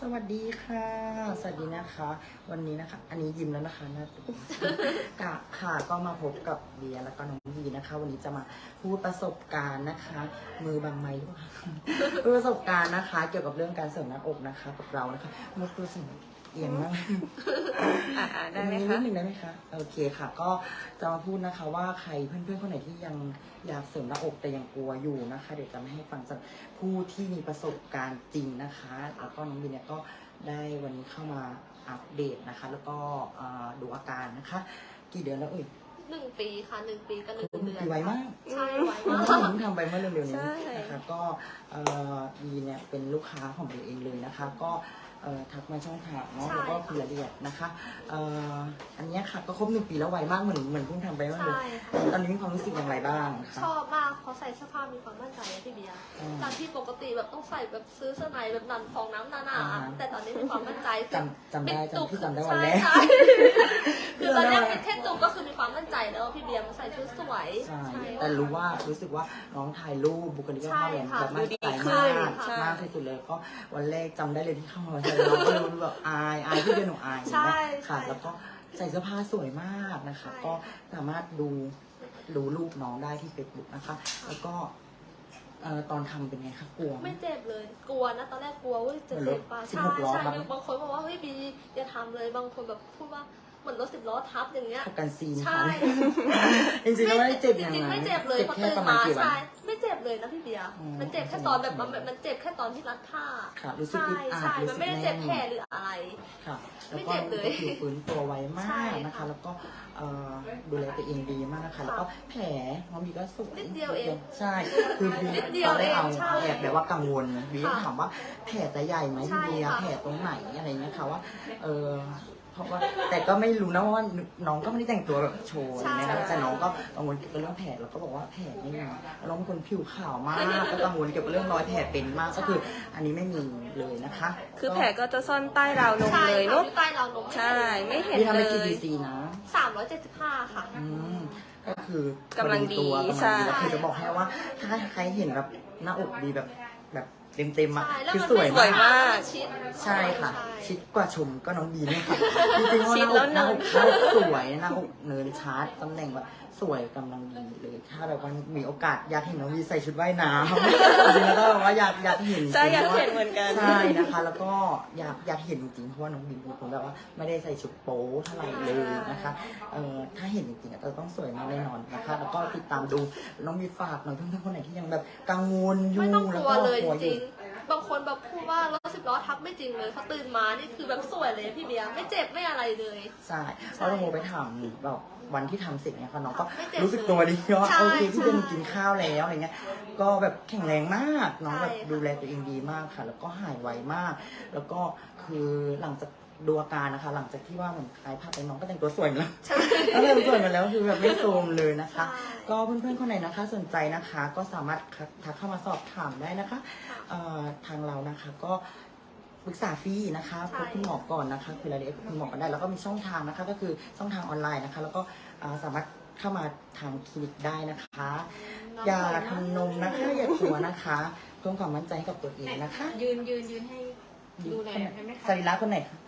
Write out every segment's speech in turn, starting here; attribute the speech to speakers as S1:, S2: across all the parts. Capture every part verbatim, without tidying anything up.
S1: สวัสดีค่ะสวัสดีนะคะวันนี้นะคะอันนี้ยิ้มแล้วนะคะนะกะค่ะก็มาพบกับเบียร์แล้วก็น้องวีนะคะวันนี้จะมาพูดประสบการณ์นะคะมือบางไม้ด้วยประสบการณ์นะคะเกี่ยวกับเรื่องการเสริมหน้าอกนะคะกับเรานะคะมุกตัวสิ่งเอียงมาก
S2: อ่าได้ไหม
S1: คะ
S2: คะ
S1: นิดนึงได้ไหมคะโอเคค่ะก็จะมาพูดนะคะว่าใครเพื่อนๆคนไหนที่ยังอยากเสริมหน้าอกแต่ยังกลัวอยู่นะคะเดี๋ยวจะไม่ให้ฟังจากผู้ที่มีประสบการณ์จริงนะคะแล้วก็น้องบีเนี่ยก็ได้วันนี้เข้ามาอัปเดตนะคะแล้วก็ดูอาการนะคะกี่เดือนแล้วเอ่ย
S3: หนึ่งปีค่ะหนึ่งปีกับหนึ่งเดือน
S1: ไวมาก
S3: ใช่ไวมาก
S1: ผมทำไปเมื่อเร็วๆนี้นะคะก็บีเนี่ยเป็นลูกค้าของบีเองเลยนะคะก็ทักมาช่องทางเนาะแล้วก็คุยรายละเอียดนะคะอันนี้ค่ะก็ครบหนึ่งปีแล้วไวมากเหมือนเหมือนเพิ่งทำไปเมื่อเลยตอนนี้มีความรู้สึกอย่างไรบ้างคะ
S3: ชอบมากเขาใส่เสื้อผ้ามีความมั่นใจนะพี่เบียร์จากที่ปกติแบบต้องใส่แบบซื้อเสื้อในแบบนันฟองน้ำหนาๆแต่ตอนนี้มีความมั่นใจ
S1: จำจำได้จำที่จำได้วันแรก
S3: คือตอนแรกเป็นแค่จุกก็คือมีความมั่นใจแล้วพี่เบียร์มาใส่ชุดสวย
S1: ใช่แต่รู้ว่ารู้สึกว่าน้องถ่ายรูปบุคลิกภาพเนี่ยแบบมั่นใจมากมากที่สุดเลยก็วันแรกจำได้เลยที่เข้ามาใส่เราก็รู้แบบอายอายที่เป็นหนูอายนะค่ะแล้วก็ใส่เสื้อผ้าสวยมากนะคะก็สามารถดูดูรูปน้องได้ที่เฟซบุ๊กนะคะแล้วก็ตอนทำเป็นไงคะกลัว
S3: ไม่เจ็บเลยกลัวนะตอนแรกกลัวว่าจะเจ็บป่ะใช่ใช่บางคนบอกว่าเฮ้ยบีอย่าทำเลยบางคนแบบพูดว่าเหมือนรถสิบล้อทับอย่างเงี้ย
S1: กันซีน
S3: ใช่
S1: จริงๆแล้วไม่ได้เจ็บอย่าง
S3: นั้นไม่เจ็บเลยพอตื่นมาใช่ไม่เจ็บเลยนะพี่เบียร์มันเจ็บแค่ตอนแบบมันมันเจ็บแค่ตอนที่รัดผ้า
S1: ใช่
S3: ใช่มันไม่ได้เจ็บแผลหรืออะไร
S1: ค่ะไม่เจ็บเลยผิวฟื้นตัวไวมากนะคะแล้วก็ดูแลตัวเองดีมากนะคะแล้วก็แผลน้องบีก็สุก
S3: นิดเดียวเอง
S1: ใช่คือบีตอนแรกเอาแอบแบบว่ากังวลบีถามว่าแผลจะใหญ่ไหมพี่เบียร์แผลตรงไหนอะไรเงี้ยค่ะว่าเออเพราะว่าแต่ก็ไม่รู้นะว่าน้องก็ไม่ได้แต่งตัวแบบโชว์อะไรนะแต่น้องก็กังวลเกี่ยวกับเรื่องแผลแล้วก็บอกว่าแผลไม่มีน้องเป็นคนผิวขาวมากก็กังวลเกี่ยวกับเรื่องรอยแผลเป็นมากก็คืออันนี้ไม่มีเลยนะคะ
S2: คือแผลก็จะซ่อนใต้ราวนมเลยเนาะ
S3: ใต้ราวนม
S2: ใช่ไม่เห็น
S1: เลยนี่ทำไป
S2: กี่
S1: ซีซีนะ
S3: สามร้อยเจ็ดสิบห้าค่ะ
S1: อืมก็คือก
S2: ำลังดี
S1: ใช่คือจะบอกให้ว่าถ้าใครเห็นแบบหน้าอกดีแบบแบบเต็มเต็มอ่ะคือสวยมากใช่ค่ะชิดกว่าชมก็น้องบีเนี่ยค่ะจริงๆว่าหน้าอกหน้าอกหน้าอกสวยหน้าอกเนินชาร์จตำแหน่งแบบสวยกำลังดีเลยถ้าแบบว่ามีโอกาสอยากเห็นน้องบีใส่ชุดว่ายน้ำจริงๆแล้วก็แบบว่าอยากอยากเห็น
S2: ใช่อยากเห็นเหมือนกัน
S1: ใช่นะคะแล้วก็อยากอยากเห็นจริงๆเพราะว่าน้องบีเป็นคนแบบว่าไม่ได้ใส่ชุดโป๊เท่าไหร่เลยนะคะเอ่อถ้าเห็นจริงๆจะต้องสวยมากแน่นอนนะคะแล้วก็ติดตามดูน้องบีฝากหน่อยเพื่อนๆคนไหนที่ยังแบบกังวลอยู่แล้วก็
S3: กลัวอยู่บางคนแบบพูดว่ารถสิบล้อทับไม่จริงเลยเขาตื่นมานี่คือแบบสวยเลยพี่เบียร์ไม่เจ็บไม่อะไรเลย
S1: ใช่เพราะเราโมไปถามแบบวันที่ทำเสร็จเนี่ยค่ะน้องก็รู้สึกตัวดีว่าโอเคพี่เป็นกินข้าวแล้วอะไรเงี้ยก็แบบแข็งแรงมากน้องแบบดูแลตัวเองดีมากค่ะแล้วก็หายไวมากแล้วก็คือหลังจากดูอาการนะคะหลังจากที่ว่าเหมือนคลายภาพไปน้องก็แต่งตัวสวยแล้วแล้วเลยสวยมาแล้วคือแบบไม่โทรมเลยนะคะก็เพื่อนๆคนไหนนะคะสนใจนะคะก็สามารถทักเข้ามาสอบถามได้นะคะทางเรานะคะก็ปรึกษาฟรีนะคะพบคุณหมอก่อนนะคะคุยรายละเอียดกับคุณหมอกันได้แล้วก็มีช่องทางนะคะก็คือช่องทางออนไลน์นะคะแล้วก็สามารถเข้ามาทางคลินิกได้นะคะอย่าทำนมนะคะอย่ากลัวนะคะเพิ่มความมั่นใจให้กับตัวเองนะคะ
S4: ยืนยืนยืนให้ดูหน่อยได้ไหมคะ
S1: สรีระคนไหนคะ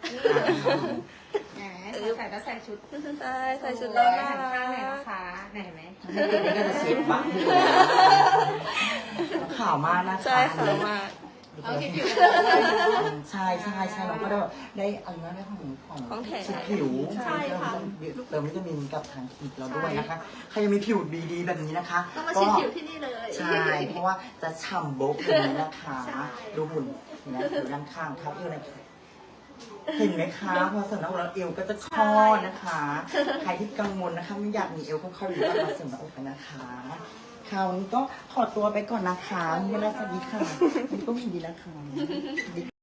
S4: ใส่แล้วใส่ชุด
S2: ใช่ใส่ชุดแล้วน่ารัก
S4: ข้างไหนนะคะไหนไหม
S1: นี่ก็จะเชฟบ้างข่าวมากนะคะ
S2: ใช่ข่าวมาก
S1: ใช่ใช่ใช่เราก็ได้แบบได้อะไรนะได้ของของชิดผิว
S3: ใช่ค่ะ
S1: เติมวิตามินกับทางคลินิกเราด้วยนะคะใครยังมีผิวดีๆแบบนี้นะคะ
S3: ต้องมาชิดผิวที่นี่เลย
S1: ใช่เพราะว่าจะฉ่ำโบ๊กอย่างนี้นะคะดูหุ่นนะอยู่ด้านข้างเท้าเอวในเห็นไหมคะพอเสริมหน้าอกแล้วเอวก็จะคลอดนะคะใครที่กังวลนะคะไม่อยากมีเอวก็เข้าดูว่ามาเสริมหน้าอกกันนะคะคราวนี้ก็ขอตัวไปก่อนนะคะไม่ได้สวัสดีค่ะนี่ก็ไม่ดีแล้วค่ะ